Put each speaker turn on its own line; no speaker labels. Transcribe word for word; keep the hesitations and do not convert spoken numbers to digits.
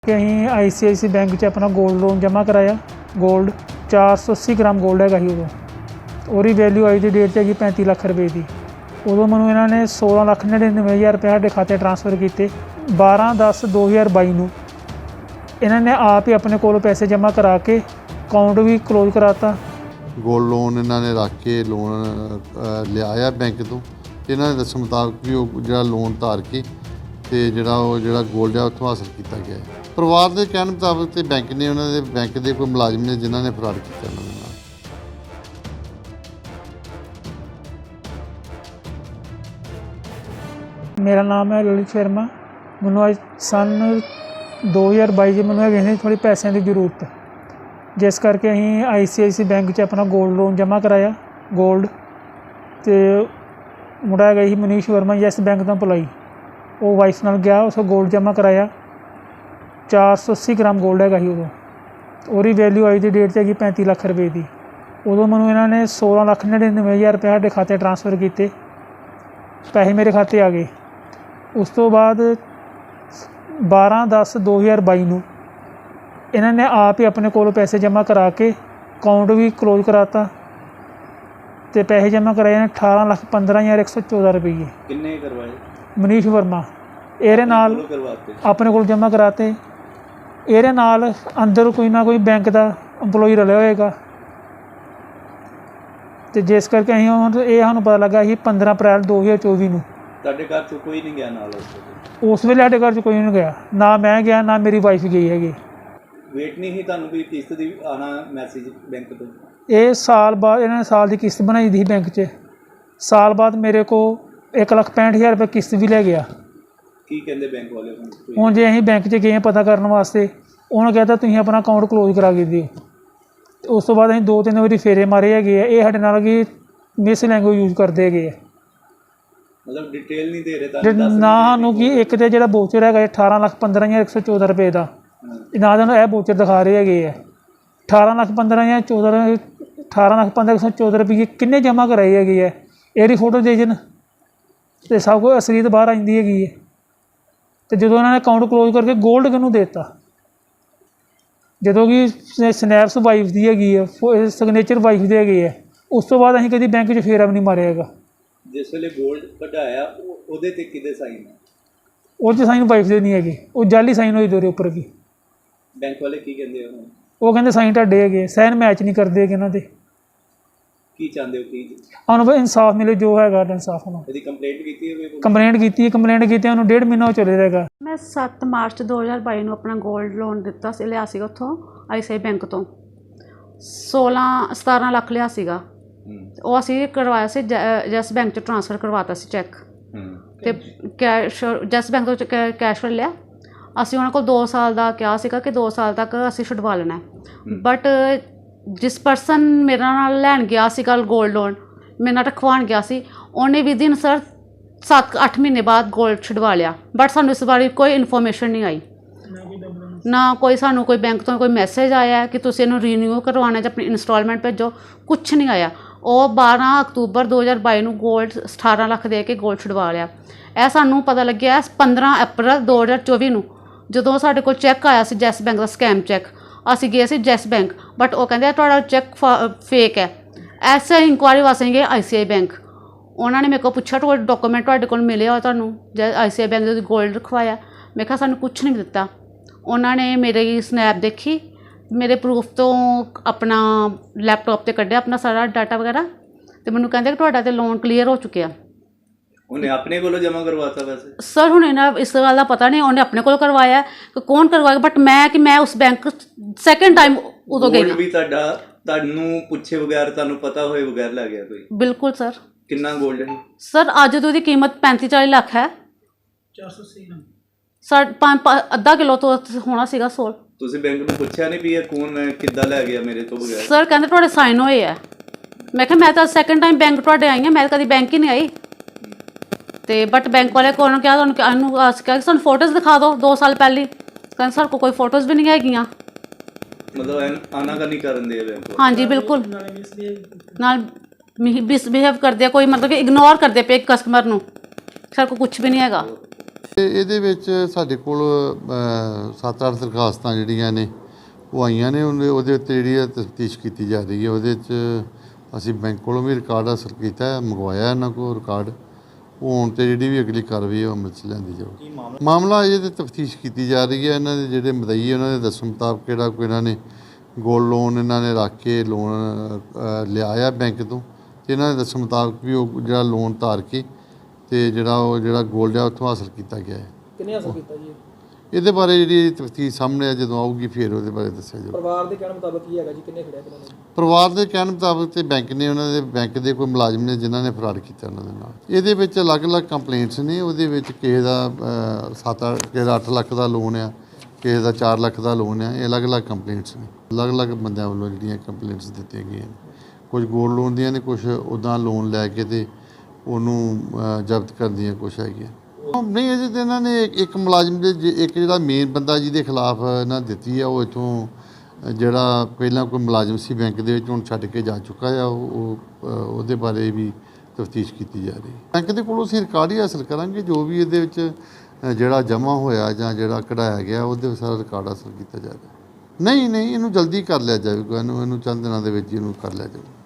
कि अं आई सी आई सी बैंक च अपना गोल्ड लोन जमा कराया। गोल्ड चार सौ अस्सी ग्राम गोल्ड हैगा ही उदों, और वैल्यू अज की डेट हैगी पैंती लख रुपए की। उदों मैं इन्होंने सोलह लख नड़िनवे हज़ार रुपये साढ़े खाते ट्रांसफर किए। बारह दस दो हज़ार बई नूं इन्होंने आप ही अपने को पैसे जमा करा के अकाउंट भी क्लोज कराता।
गोल्ड लोन इन्होंने रख के लोन लिया बैंक तो इन्होंने दस मुताबिक भी वो जो लोन धार के तो जोड़ा वो जो गोल्ड है उत्थों हासिल किया गया है। परिवार के कहने मुताबिक तो बैंक ने उन्होंने बैंक के कोई मुलाजिम ने जिन्होंने फ्रॉड किया उन्होंने।
मेरा नाम है ललित शर्मा। मैनू अज सन दो हज़ार बई च मैनू है थोड़ी पैसों की जरूरत, जिस करके अं आई सी आई सी बैंक च अपना गोल्ड लोन जमा कराया। गोल्ड तो मुंडा है ही मनीष वर्मा यस बैंक का एम्पलॉई, वो वाइफ नाल गया, उस गोल्ड जमा कराया। चार सौ अस्सी ग्राम गोल्ड हैगा ही उदों, और वैल्यू अज की डेट हैगी पैंती लख रुपए की। उदों मैं इन्होंने सोलह लख नड़िनवे हज़ार रुपये साढ़े खाते ट्रांसफर किए, पैसे मेरे खाते आ गए। उस तो बाद बारह दस दो हज़ार बई नूं इन्होंने आप ही अपने को पैसे जमा करा के अकाउंट भी क्लोज कराता तो पैसे जमा कराए ने अठारह लख पंद्रह हज़ार एक सौ चौदह रुपये।
किन्ने करवाए?
मनीष वर्मा एरे नाल अपने को जमा कराते। एरे नाल अंदर कोई ना कोई बैंक का एम्पलॉई रलिया होएगा, तो जिस करके असीं हुण ये सानूं पता लगा कि पंद्रह अप्रैल दो हज़ार चौबी नूं
ਤੁਹਾਡੇ ਘਰ ਚੋਂ ਕੋਈ ਨਹੀਂ ਗਿਆ ਨਾਲ ਉਸ ਵੇਲੇ?
उस वेले साडे घर च कोई नहीं गया, ना मैं गया ना मेरी वाइफ गई हैगी।
ਵੇਟ नहीं ही ਤੁਹਾਨੂੰ भी किस्त ਦੀ आना मैसेज बैंक ਤੋਂ?
ये साल बाद इन्होंने साल की किस्त बनाई दी बैंक च, साल बाद मेरे को एक लख पैंठ हज़ार रुपये किस्त भी लै गया।
ਕੀ ਕਹਿੰਦੇ बैंक वाले ਹੁਣ?
ਹੁਣ ਜੇ ਅਸੀਂ बैंक च गए पता करने वास्ते, उन्होंने कहता तुसीं अपना अकाउंट क्लोज करा के दिओ। तो उस तो बाद असीं दो तीन वारी फेरे मारे हैगे आ, ये साडे नाल कि मिस लैंग्वेज यूज करते हैगे आ।
मतलब डिटेल नहीं दे रहे
जे ना सानूं कि एक तो जो बोचर है अठारह लख पंद्रह हज़ार एक सौ चौदह रुपये का, ना तो यह बोचर दिखा रहे है। अठारह लख पंद्रह हज़ार चौदह अठारह लख पंद्रह एक सौ चौदह रुपये किन्ने जमा कराई हैगी है, एरी फोटो दे जन तो सब कुछ असलीत बाहर आती हैगी है। तो जो उन्होंने अकाउंट क्लोज करके गोल्ड किनूं देता, जो कि स्नैप्स वाइफ की हैगी है, सिग्नेचर वाइफ की हैगी है। उस तो बाद असीं कभी बैंक च फेरा भी नहीं मारिया हैगा।
जिस वेले गोल्ड कढ़ाया ਉਹਦੇ ਤੇ ਕਿਹਦੇ ਸਾਈਨ ਹੈ?
ਉਹ 'ਚ ਸਾਈਨ ਵਾਈਫ ਦੇ ਨਹੀਂ ਹੈਗੇ, ਉਹ ਜਾਲੀ ਸਾਈਨ ਹੋਈ ਦੋਰੇ ਉੱਪਰ ਵੀ।
ਬੈਂਕ ਵਾਲੇ ਕੀ ਕਹਿੰਦੇ ਹੋ?
ਉਹ ਕਹਿੰਦੇ ਸਾਈਨ ਤੁਹਾਡੇ ਹੈਗੇ, ਸਾਈਨ ਮੈਚ ਨਹੀਂ ਕਰਦੇ ਹੈਗੇ ਇਹਨਾਂ ਦੇ।
ਕੀ ਚਾਹੁੰਦੇ ਹੋ? ਕੀ
ਉਹਨੂੰ ਬਈ ਇਨਸਾਫ ਮਿਲੇ, ਜੋ ਹੈਗਾ ਇਨਸਾਫ ਹੋਣਾ।
ਇਹਦੀ ਕੰਪਲੇਂਟ ਕੀਤੀ ਹੈ?
ਕੰਪਲੇਂਟ ਕੀਤੀ ਹੈ, ਕੰਪਲੇਂਟ ਕੀਤੀ ਉਹਨੂੰ ਡੇਢ ਮਹੀਨਾ ਹੋ ਚੱਲੇ ਰਹੇਗਾ।
ਮੈਂ ਸੱਤ ਮਾਰਚ ਦੋ ਹਜ਼ਾਰ ਬਾਈ ਨੂੰ ਆਪਣਾ ਗੋਲਡ ਲੋਨ ਦਿੱਤਾ ਸੀ, ਲਿਆ ਸੀਗਾ ਉੱਥੋਂ ਆਈ ਸੀ ਆਈ ਬੈਂਕ ਤੋਂ। ਸੋਲਾਂ ਸਤਾਰਾਂ ਲੱਖ ਲਿਆ ਸੀਗਾ, ਉਹ ਅਸੀਂ ਕਰਵਾਇਆ ਸੀ ਜੈਸ ਬੈਂਕ 'ਚ ਟ੍ਰਾਂਸਫਰ ਕਰਵਾਤਾ ਸੀ ਚੈੱਕ, ਅਤੇ ਕੈਸ਼ ਜੈਸ ਬੈਂਕ ਤੋਂ ਕੈਸ਼ ਲਿਆ। ਅਸੀਂ ਉਹਨਾਂ ਕੋਲ ਦੋ ਸਾਲ ਦਾ ਕਿਹਾ ਸੀਗਾ ਕਿ ਦੋ ਸਾਲ ਤੱਕ ਅਸੀਂ ਛੁਡਵਾ ਲੈਣਾ, ਬਟ ਜਿਸ ਪਰਸਨ ਮੇਰੇ ਨਾਲ ਲੈਣ ਗਿਆ ਸੀਗਾ ਗੋਲਡ ਲੋਨ, ਮੇਰੇ ਨਾਲ ਰਖਵਾਉਣ ਗਿਆ ਸੀ, ਉਹਨੇ ਵੀ ਦਿਨ ਸਰ ਸੱਤ ਅੱਠ ਮਹੀਨੇ ਬਾਅਦ ਗੋਲਡ ਛੁਡਵਾ ਲਿਆ। ਬਟ ਸਾਨੂੰ ਇਸ ਬਾਰੇ ਕੋਈ ਇਨਫੋਰਮੇਸ਼ਨ ਨਹੀਂ ਆਈ, ਨਾ ਕੋਈ ਸਾਨੂੰ ਕੋਈ ਬੈਂਕ ਤੋਂ ਕੋਈ ਮੈਸੇਜ ਆਇਆ ਕਿ ਤੁਸੀਂ ਇਹਨੂੰ ਰੀਨਿਊ ਕਰਵਾਉਣਾ ਜਾਂ ਆਪਣੀ ਇੰਸਟਾਲਮੈਂਟ ਭੇਜੋ, ਕੁਛ ਨਹੀਂ ਆਇਆ। ਉਹ ਬਾਰ੍ਹਾਂ ਅਕਤੂਬਰ ਦੋ ਹਜ਼ਾਰ ਬਾਈ ਨੂੰ ਗੋਲਡ ਅਠਾਰ੍ਹਾਂ ਲੱਖ ਦੇ ਕੇ ਗੋਲਡ ਛੁਡਵਾ ਲਿਆ। ਇਹ ਸਾਨੂੰ ਪਤਾ ਲੱਗਿਆ ਪੰਦਰਾਂ ਅਪ੍ਰੈਲ ਦੋ ਹਜ਼ਾਰ ਚੌਵੀ ਨੂੰ, ਜਦੋਂ ਸਾਡੇ ਕੋਲ ਚੈੱਕ ਆਇਆ ਸੀ ਜੈਸ ਬੈਂਕ ਦਾ ਸਕੈਮ ਚੈੱਕ। ਅਸੀਂ ਗਏ ਸੀ ਜੈਸ ਬੈਂਕ, ਬਟ ਉਹ ਕਹਿੰਦੇ ਤੁਹਾਡਾ ਚੈੱਕ ਫੇਕ ਹੈ। ਐਸੇ ਇਨਕੁਆਇਰੀ ਵਾਸਤੇ ਗਏ ਆਈ ਸੀ ਆਈ ਬੈਂਕ। ਉਹਨਾਂ ਨੇ ਮੇਰੇ ਕੋਲ ਪੁੱਛਿਆ ਤੁਹਾਡੇ ਡਾਕੂਮੈਂਟ ਤੁਹਾਡੇ ਕੋਲ ਮਿਲੇ ਹੋ ਤੁਹਾਨੂੰ ਜੈ ਆਈ ਸੀ ਆਈ ਬੈਂਕ ਦੇ ਗੋਲਡ ਰਖਵਾਇਆ? ਮੈਂ ਕਿਹਾ ਸਾਨੂੰ ਕੁਛ ਨਹੀਂ ਦਿੱਤਾ। ਉਹਨਾਂ ਨੇ ਮੇਰੀ ਸਨੈਪ ਦੇਖੀ, ਮੇਰੇ ਪ੍ਰੂਫ ਤੋਂ ਆਪਣਾ ਲੈਪਟਾਪ 'ਤੇ ਕੱਢਿਆ ਆਪਣਾ ਸਾਰਾ ਡਾਟਾ ਵਗੈਰਾ, ਅਤੇ ਮੈਨੂੰ ਕਹਿੰਦੇ ਕਿ ਤੁਹਾਡਾ ਤਾਂ ਲੋਨ ਕਲੀਅਰ ਹੋ ਚੁੱਕਿਆ।
ਉਹਨੇ ਆਪਣੇ ਕੋਲੋਂ ਜਮ੍ਹਾਂ ਕਰਵਾਤਾ? ਵੈਸੇ
ਸਰ ਹੁਣ ਇਹਨਾਂ ਇਸ ਗੱਲ ਦਾ ਪਤਾ ਨਹੀਂ ਉਹਨੇ ਆਪਣੇ ਕੋਲ ਕਰਵਾਇਆ ਕਿ ਕੌਣ ਕਰਵਾਇਆ, ਬਟ ਮੈਂ ਕਿ ਮੈਂ ਉਸ ਬੈਂਕ ਸੈਕਿੰਡ ਟਾਈਮ ਉਦੋਂ ਗਈ
ਵੀ ਤੁਹਾਡਾ ਤੁਹਾਨੂੰ ਪੁੱਛੇ ਬਗੈਰ ਤੁਹਾਨੂੰ ਪਤਾ ਹੋਏ ਬਗੈਰ ਲੈ ਗਿਆ ਕੋਈ?
ਬਿਲਕੁਲ ਸਰ।
ਕਿੰਨਾ ਗੋਲਡ ਹੈ
ਸਰ? ਅੱਜ ਤੋਂ ਉਹਦੀ ਕੀਮਤ ਪੈਂਤੀ ਚਾਲੀ ਲੱਖ ਹੈ।
ਚਾਰ ਸੌ ਅੱਸੀ ਗ੍ਰਾਮ
ਸਰ ਪੰਜ ਅੱਧਾ ਕਿਲੋ ਤੋਂ ਹੋਣਾ ਸੀਗਾ ਸੋਲ।
ਤੁਸੀਂ ਬੈਂਕ ਨੂੰ ਪੁੱਛਿਆ ਨਹੀਂ ਵੀ ਇਹ ਕੌਣ ਮੈਂ ਕਿੱਦਾਂ ਲੈ ਗਿਆ ਮੇਰੇ ਤੋਂ ਬਗੈਰ?
ਸਰ ਕਹਿੰਦੇ ਤੁਹਾਡੇ ਸਾਈਨ ਹੋਏ ਆ। ਮੈਂ ਕਿਹਾ ਮੈਂ ਤਾਂ ਸੈਕਿੰਡ ਟਾਈਮ ਬੈਂਕ ਤੁਹਾਡੇ ਆਈ ਹਾਂ, ਮੈਂ ਤਾਂ ਕਦੀ ਬੈਂਕ ਹੀ ਨਹੀਂ ਆਈ। ਅਤੇ ਬਟ ਬੈਂਕ ਵਾਲੇ ਕੋਲ ਕਿਹਾ ਤੁਹਾਨੂੰ ਇਹਨੂੰ ਅਸੀਂ ਕਿਹਾ ਕਿ ਸਾਨੂੰ ਫੋਟੋਜ਼ ਦਿਖਾ ਦਿਓ ਦੋ ਸਾਲ ਪਹਿਲੀ। ਕਹਿੰਦੇ ਸਾਡੇ ਕੋਲ ਕੋਈ ਫੋਟੋਜ਼ ਵੀ ਨਹੀਂ ਹੈਗੀਆਂ।
ਮਤਲਬ ਆਨਾ ਕਰਨੀ ਕਰਨ ਦੇ ਬੈਂਕ?
ਹਾਂਜੀ ਬਿਲਕੁਲ, ਨਾਲ ਮਿਸਬਿਹੇਵ ਕਰਦੇ ਆ, ਕੋਈ ਮਤਲਬ ਕਿ ਇਗਨੋਰ ਕਰਦੇ ਪਏ ਕਸਟਮਰ ਨੂੰ। ਸਾਡੇ ਕੋਲ ਕੁਛ ਵੀ ਨਹੀਂ ਹੈਗਾ।
ਤੇ ਇਹਦੇ ਵਿੱਚ ਸਾਡੇ ਕੋਲ ਸੱਤ ਅੱਠ ਦਰਖਾਸਤਾਂ ਜਿਹੜੀਆਂ ਨੇ ਉਹ ਆਈਆਂ ਨੇ। ਉਹਦੇ ਉਹਦੇ ਉੱਤੇ ਜਿਹੜੀ ਤਫਤੀਸ਼ ਕੀਤੀ ਜਾ ਰਹੀ ਹੈ। ਉਹਦੇ 'ਚ ਅਸੀਂ ਬੈਂਕ ਕੋਲੋਂ ਵੀ ਰਿਕਾਰਡ ਹਾਸਲ ਕੀਤਾ, ਮੰਗਵਾਇਆ ਇਹਨਾਂ ਕੋਲ ਰਿਕਾਰਡ। ਉਹ ਹੁਣ ਤੇ ਜਿਹੜੀ ਵੀ ਅਗਲੀ ਕਾਰਵਾਈ ਉਹ ਅਮਲ 'ਚ ਲਿਆਂਦੀ ਜਾਊਗੀ। ਮਾਮਲਾ ਅਜੇ ਤੇ ਤਫਤੀਸ਼ ਕੀਤੀ ਜਾ ਰਹੀ ਹੈ। ਇਹਨਾਂ ਦੇ ਜਿਹੜੇ ਮਦਈ ਉਹਨਾਂ ਦੇ ਦੱਸਣ ਮੁਤਾਬਕ ਕਿਹੜਾ ਕੋਈ ਇਹਨਾਂ ਨੇ ਗੋਲਡ ਲੋਨ ਇਹਨਾਂ ਨੇ ਰੱਖ ਕੇ ਲੋਨ ਲਿਆ ਆ ਬੈਂਕ ਤੋਂ, ਤੇ ਇਹਨਾਂ ਦੇ ਦੱਸਣ ਮੁਤਾਬਕ ਵੀ ਉਹ ਜਿਹੜਾ ਲੋਨ ਧਾਰ ਕੇ ਤੇ ਜਿਹੜਾ ਉਹ ਜਿਹੜਾ ਗੋਲਡ ਆ ਉੱਥੋਂ ਹਾਸਲ ਕੀਤਾ ਗਿਆ ਹੈ।
ਕਿੰਨੇ ਹਾਸਲ ਕੀਤਾ ਜੀ?
ਇਹਦੇ ਬਾਰੇ ਜਿਹੜੀ ਤਫਤੀਸ਼ ਸਾਹਮਣੇ ਆ ਜਦੋਂ ਆਊਗੀ ਫਿਰ ਉਹਦੇ ਬਾਰੇ ਦੱਸਿਆ ਜਾਊਗਾ।
ਪਰਿਵਾਰ ਦੇ ਕਹਿਣ ਮੁਤਾਬਕ ਕੀ ਹੈਗਾ ਜੀ, ਕਿੰਨੇ ਖੜਿਆ ਕਿੰਨੇ ਨਹੀਂ?
ਪਰਿਵਾਰ ਦੇ ਕਹਿਣ ਮੁਤਾਬਕ ਤੇ ਬੈਂਕ ਨੇ ਉਹਨਾਂ ਦੇ ਬੈਂਕ ਦੇ ਕੋਈ ਮੁਲਾਜ਼ਮ ਨੇ ਜਿਨ੍ਹਾਂ ਨੇ ਫਰਾਡ ਕੀਤਾ ਉਹਨਾਂ ਦੇ ਨਾਲ। ਇਹਦੇ ਵਿੱਚ ਅਲੱਗ-ਅਲੱਗ ਕੰਪਲੇਂਟਸ ਨੇ। ਉਹਦੇ ਵਿੱਚ ਕਿਸੇ ਦਾ ਸੱਤ ਕਿਸੇ ਦਾ ਅੱਠ ਲੱਖ ਦਾ ਲੋਨ ਆ, ਕਿਸੇ ਦਾ ਚਾਰ ਲੱਖ ਦਾ ਲੋਨ ਆ। ਇਹ ਅਲੱਗ-ਅਲੱਗ ਕੰਪਲੇਂਟਸ ਨੇ, ਅਲੱਗ-ਅਲੱਗ ਬੰਦਿਆਂ ਵੱਲੋਂ ਜਿਹੜੀਆਂ ਕੰਪਲੇਂਟਸ ਦਿੱਤੀਆਂ ਗਈਆਂ ਨੇ। ਕੁਝ ਗੋਲਡ ਲੋਨ ਦੀਆਂ ਨੇ, ਕੁਝ ਉੱਦਾਂ ਲੋਨ ਲੈ ਕੇ ਤੇ ਉਹਨੂੰ ਜ਼ਬਤ ਕਰਨ ਦੀਆਂ ਕੁਛ ਹੈਗੀਆਂ। ਨਹੀਂ, ਅਜੇ ਤਾਂ ਇਹਨਾਂ ਨੇ ਇੱਕ ਮੁਲਾਜ਼ਮ ਦੇ ਇੱਕ ਜਿਹੜਾ ਮੇਨ ਬੰਦਾ ਜਿਹਦੇ ਖਿਲਾਫ ਇਹਨਾਂ ਦਿੱਤੀ ਆ, ਉਹ ਇੱਥੋਂ ਜਿਹੜਾ ਪਹਿਲਾਂ ਕੋਈ ਮੁਲਾਜ਼ਮ ਸੀ ਬੈਂਕ ਦੇ ਵਿੱਚ, ਹੁਣ ਛੱਡ ਕੇ ਜਾ ਚੁੱਕਾ ਆ। ਉਹ ਉਹਦੇ ਬਾਰੇ ਵੀ ਤਫਤੀਸ਼ ਕੀਤੀ ਜਾ ਰਹੀ ਹੈ। ਬੈਂਕ ਦੇ ਕੋਲੋਂ ਅਸੀਂ ਰਿਕਾਰਡ ਹੀ ਹਾਸਲ ਕਰਾਂਗੇ। ਜੋ ਵੀ ਇਹਦੇ ਵਿੱਚ ਜਿਹੜਾ ਜਮ੍ਹਾਂ ਹੋਇਆ ਜਾਂ ਜਿਹੜਾ ਕਢਾਇਆ ਗਿਆ ਉਹਦੇ ਸਾਰਾ ਰਿਕਾਰਡ ਹਾਸਲ ਕੀਤਾ ਜਾਵੇਗਾ। ਨਹੀਂ ਨਹੀਂ ਇਹਨੂੰ ਜਲਦੀ ਕਰ ਲਿਆ ਜਾਵੇਗਾ। ਇਹਨੂੰ ਇਹਨੂੰ ਚੰਦ ਦਿਨਾਂ ਦੇ ਵਿੱਚ ਇਹਨੂੰ ਕਰ ਲਿਆ ਜਾਵੇਗਾ।